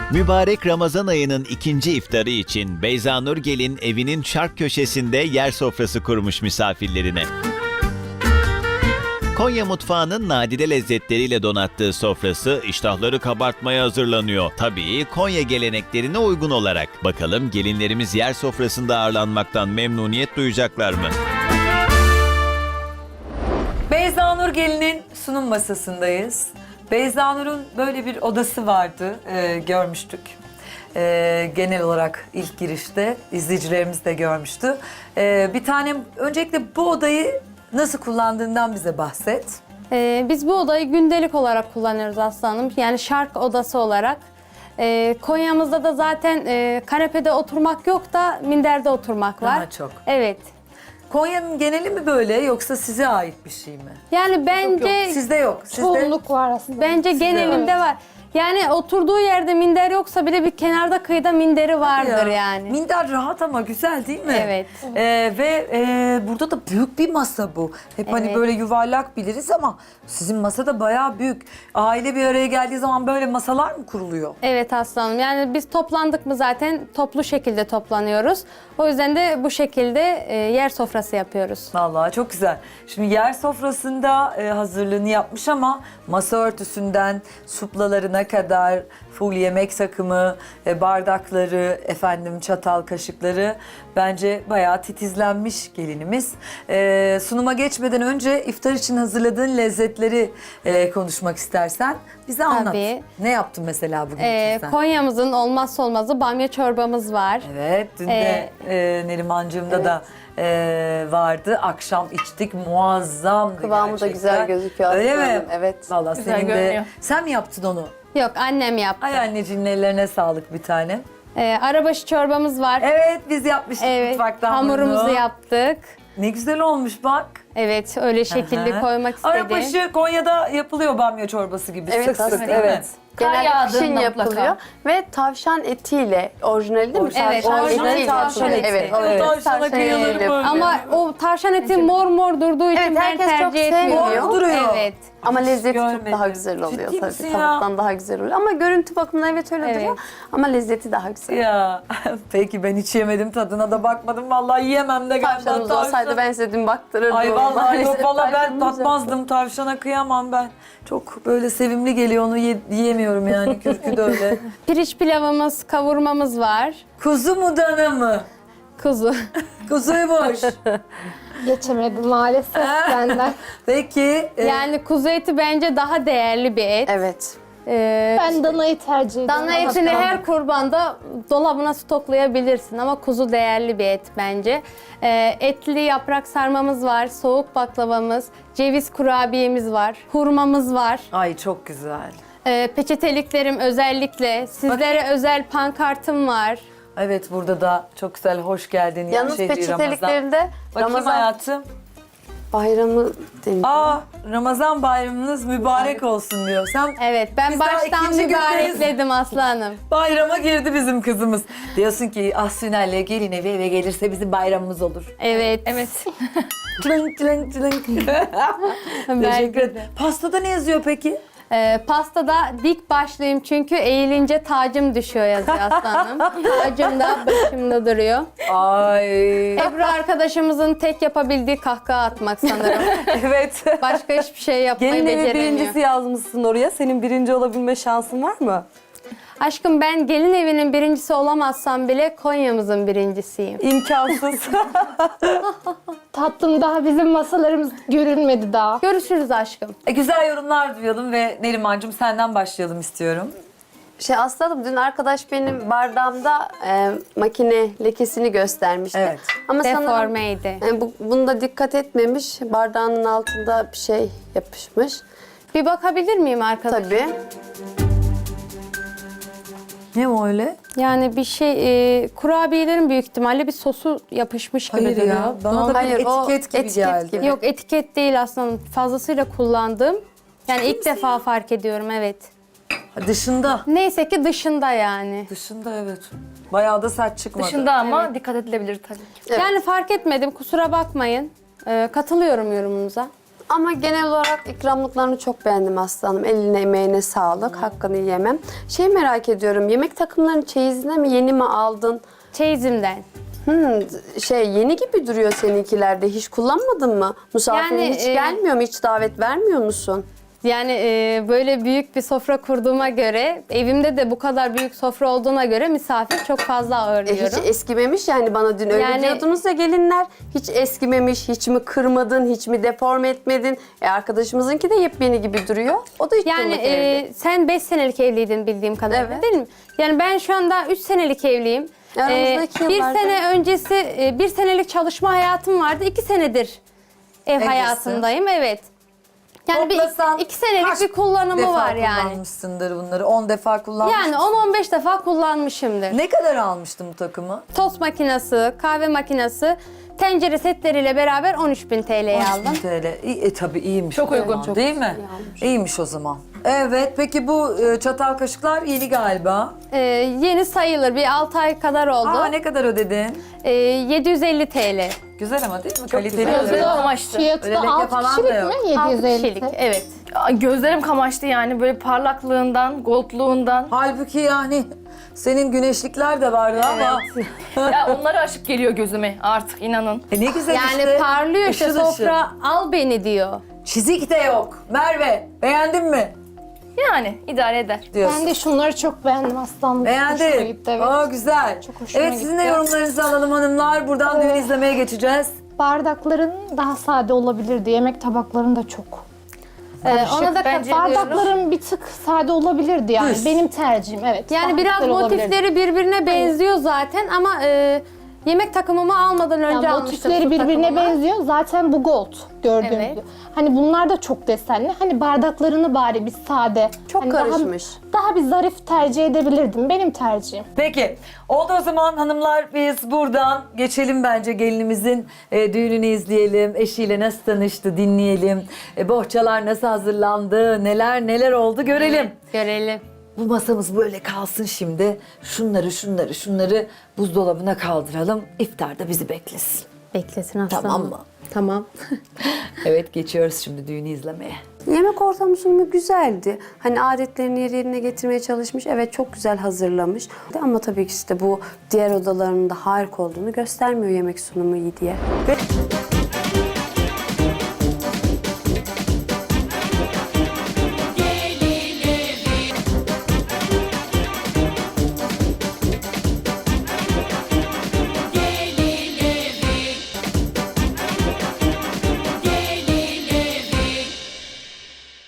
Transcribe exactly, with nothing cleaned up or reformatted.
Mübarek Ramazan ayının ikinci iftarı için Beyzanur Gelin evinin şark köşesinde yer sofrası kurmuş misafirlerine. Konya mutfağının nadide lezzetleriyle donattığı sofrası iştahları kabartmaya hazırlanıyor. Tabii Konya geleneklerine uygun olarak. Bakalım gelinlerimiz yer sofrasında ağırlanmaktan memnuniyet duyacaklar mı? Beyzanur Gelin'in sunum masasındayız. Beyzanur'un böyle bir odası vardı, e, görmüştük. E, genel olarak ilk girişte izleyicilerimiz de görmüştü. E, bir tane öncelikle bu odayı nasıl kullandığından bize bahset. Ee, biz bu odayı gündelik olarak kullanıyoruz aslanım. Yani şark odası olarak. Ee, Konya'mızda da zaten e, kanepede oturmak yok da minderde oturmak var. Daha çok. Evet. Konya'nın geneli mi böyle yoksa size ait bir şey mi? Yani bence Yok, sizde yok. Sizde Çoğunluk var aslında. bence genelinde var. Yani oturduğu yerde minder yoksa bile bir kenarda kıyıda minderi vardır Ya, yani. Minder rahat ama güzel değil mi? Evet. Ee, ve e, burada da büyük bir masa bu. Hep hani Evet. böyle yuvarlak biliriz ama sizin masa da bayağı büyük. Aile bir araya geldiği zaman böyle masalar mı kuruluyor? Evet aslanım. Yani biz toplandık mı zaten toplu şekilde toplanıyoruz. O yüzden de bu şekilde e, yer sofrası yapıyoruz. Vallahi çok güzel. Şimdi yer sofrasında e, hazırlığını yapmış ama masa örtüsünden suplalarına kadar full yemek takımı, e, bardakları, efendim çatal kaşıkları bence bayağı titizlenmiş gelinimiz. E, sunuma geçmeden önce iftar için hazırladığın lezzetleri e, konuşmak istersen bize anlat. Tabii. Ne yaptın mesela bugün Ee, sen? Konya'mızın olmazsa olmazı bamya çorbamız var. Evet, dün de e, Nerimancığımda da e, vardı. Akşam içtik, muazzamdı Kıvamı da gerçekten. güzel gözüküyor Öyle aslında. mi? Evet. Vallahi Güzel senin de... görünüyor. Sen mi yaptın onu? Yok annem yaptı. Ay anneciğinin ellerine sağlık bir tane. Ee, arabaşı çorbamız var. Evet, biz yapmıştık Evet, mutfaktan hamurumuzu bunu. yaptık. Ne güzel olmuş bak. Evet, öyle şekilde Aha. koymak istedim. Arabaşı Konya'da yapılıyor bamya çorbası gibi. Evet, sık sık aslında değil mi? evet. Kar Genelde yağdığında kışın mutlaka. yapılıyor ve tavşan etiyle, orijinali değil mi? Evet, Tavşan orijinal etiyle tavşan yapılıyor. eti. Evet, Evet. evet. Tavşana kıyılır etiyle böyle. Ama o tavşan eti mor mor durduğu için Evet, ben herkes çok tercih etmiyorum. sevmiyor. Mor duruyor. Evet. Ama lezzeti görmedim. çok daha güzel oluyor Ciddi tabii. misin ya? Tavuktan daha güzel oluyor. Ama görüntü bakımından evet öyle Evet. duruyor. Ama lezzeti daha güzel. Ya peki ben hiç yemedim, tadına da bakmadım. Vallahi yiyemem de galiba Tavşanımız tavşan. olsaydı ben size dün baktırırdım. Ay vallahi Maalesef yok valla ben tavşanımız yok. tatmazdım, tavşana kıyamam ben. Çok böyle sevimli geliyor, onu ye- yiyemiyorum yani, kürkü de öyle. Pirinç pilavımız, kavurmamız var. Kuzu mu dana mı? Kuzu. Kuzuymuş. Geçemedim maalesef benden. Peki. e, Yani kuzu eti bence daha değerli bir et. Evet. Ee, Ben danayı tercih ediyorum. Dana etini her kurbanda dolabına stoklayabilirsin ama kuzu değerli bir et bence. Ee, etli yaprak sarmamız var, soğuk baklavamız, ceviz kurabiyemiz var, hurmamız var. Ay çok güzel. Ee, peçeteliklerim özellikle, sizlere özel pankartım var. Evet, burada da çok güzel, hoş geldin. ya Yalnız şehri Ramazan. peçeteliklerinde Bakayım Ramazan hayatım. bayramı deniyor. Aa, Ramazan bayramınız mübarek olsun diyor. Sen Evet, ben Biz daha baştan ikinci mübarekledim aslanım. bayrama girdi bizim kızımız. Diyorsun ki Asfinel'le gelin evi eve gelirse bizim bayramımız olur. Evet. Evet. Çılınk çılınk çılınk. Teşekkür ederim. Pastada ne yazıyor peki? Ee, pastada dik başlıyım çünkü eğilince tacım düşüyor yazıyor aslanım. Tacım da başımda duruyor. Ay. Ebru arkadaşımızın tek yapabildiği kahkaha atmak sanırım. Evet. Başka hiçbir şey yapmayı Gelin evi beceremiyor. birincisi yazmışsın oraya. Senin birinci olabilme şansın var mı? Aşkım ben gelin evinin birincisi olamazsam bile Konya'mızın birincisiyim. İmkansız. Tatlım, daha bizim masalarımız görünmedi daha. Görüşürüz aşkım. E, güzel yorumlar duyalım ve Nerimancığım senden başlayalım istiyorum. Şey aslanım dün arkadaş benim bardağımda e, makine lekesini göstermişti. Evet. Ama sanırım Deformeydi. e, bu, bunda dikkat etmemiş. Bardağının altında bir şey yapışmış. Bir bakabilir miyim arkadaşım? Tabii. Ne o öyle? Yani bir şey, e, kurabiyelerin büyük ihtimalle bir sosu yapışmış gibi Hayır duruyor. ya. Bana da bir Hayır, o etiket gibi etiket geldi. gibi. Yok etiket değil aslında, fazlasıyla kullandım. Yani ilk defa fark ediyorum, evet. Ha, Dışında. Neyse ki dışında yani. Dışında evet. Bayağı da sert çıkmadı. Dışında ama dikkat edilebilir tabii ki. Evet. Yani fark etmedim, kusura bakmayın. Ee, katılıyorum yorumunuza. Ama genel olarak ikramlıklarını çok beğendim aslanım. Eline emeğine sağlık. Hakkını yemem. Şey merak ediyorum. Yemek takımlarını çeyizine mi yeni mi aldın? Çeyizimden. Hmm, şey yeni gibi duruyor seninkilerde. Hiç kullanmadın mı? Misafirin Yani, hiç e, gelmiyor mu? Hiç davet vermiyor musun? Yani e, böyle büyük bir sofra kurduğuma göre, evimde de bu kadar büyük sofra olduğuna göre misafir çok fazla E, ağırlıyorum. hiç eskimemiş yani bana dün öyle Yani- diyordunuz ya gelinler. Hiç eskimemiş, hiç mi kırmadın, hiç mi deforme etmedin? E arkadaşımızınki de yepyeni gibi duruyor. O da hiç Yani durmadı e, evde. sen beş senelik evliydin bildiğim kadarıyla Evet. değil mi? Yani ben şu anda üç senelik evliyim. Aramızdaki E, bir yıllarda- sene öncesi e, bir senelik çalışma hayatım vardı. iki senedir ev Evlisin. hayatındayım, evet. Yani bir Toplasan iki senelik kaç bir kullanımı defa var yani. kullanmışsındır bunları. on defa kullanmış Yani mısın? on on beş defa kullanmışımdır. Ne kadar almıştın bu takımı? Tost makinesi, kahve makinesi, tencere setleriyle beraber on üç bin T L'ye on üç aldım. bin T L. İyi, e, tabii iyiymiş. Çok o uygun, zaman, çok değil mi? İyiymiş o zaman. Evet, peki bu e, çatal kaşıklar yeni galiba. Ee, yeni sayılır, bir altı ay kadar oldu. Aa, ne kadar ödedin? Ee, yedi yüz elli T L. Güzel ama değil mi? Kaliteli. güzel. öyle. Güzel amaçlı. Fiyatı Öyle da leke altı falan kişilik da yok. mi? altı yedi yüz elli. kişilik, evet. Ay, gözlerim kamaştı yani böyle parlaklığından, goldluğundan. Halbuki yani senin güneşlikler de vardı ama. Ya onlara aşık geliyor gözüme artık inanın. E ne güzel Yani işte. parlıyor işte, Işıl ışıl. sofra al beni diyor. Çizik de yok. Merve, beğendin mi? Yani idare eder. Diyorsun. Ben de şunları çok beğendim aslanım. Hoşuma Beğendin. gitti, evet. Aa, güzel. Çok hoşuma Evet, sizin de gitti. yorumlarınızı alalım hanımlar. Buradan düğün izlemeye geçeceğiz. Bardakların daha sade olabilirdi. Yemek tabakların da çok. Ee, ona da bence katılıyorum. Bardakların bir tık sade olabilirdi yani. Düz. Benim tercihim, evet. Yani Daha biraz güzel olabilirdi. motifleri birbirine benziyor zaten ama e, yemek takımımı almadan önce Yani almıştım. motifleri su birbirine takımımı. benziyor. Zaten bu gold gördüğünüz Evet. gibi. Hani bunlar da çok desenli. Hani bardaklarını bari bir sade. Çok hani karışmış. Daha, daha bir zarif tercih edebilirdim. Benim tercihim. Peki. Oldu o zaman hanımlar, biz buradan geçelim bence gelinimizin e, düğününü izleyelim. Eşiyle nasıl tanıştı dinleyelim. E, bohçalar nasıl hazırlandı, neler neler oldu görelim. Görelim. Bu masamız böyle kalsın şimdi. Şunları şunları şunları buzdolabına kaldıralım. İftarda bizi beklesin. Beklesin aslanım. Tamam mı? Tamam. Evet, geçiyoruz şimdi düğünü izlemeye. Yemek ortamı sunumu güzeldi. Hani adetlerini yerine getirmeye çalışmış. Evet çok güzel hazırlamış. Ama tabii ki işte bu diğer odalarının da harika olduğunu göstermiyor yemek sunumu iyi diye. Ve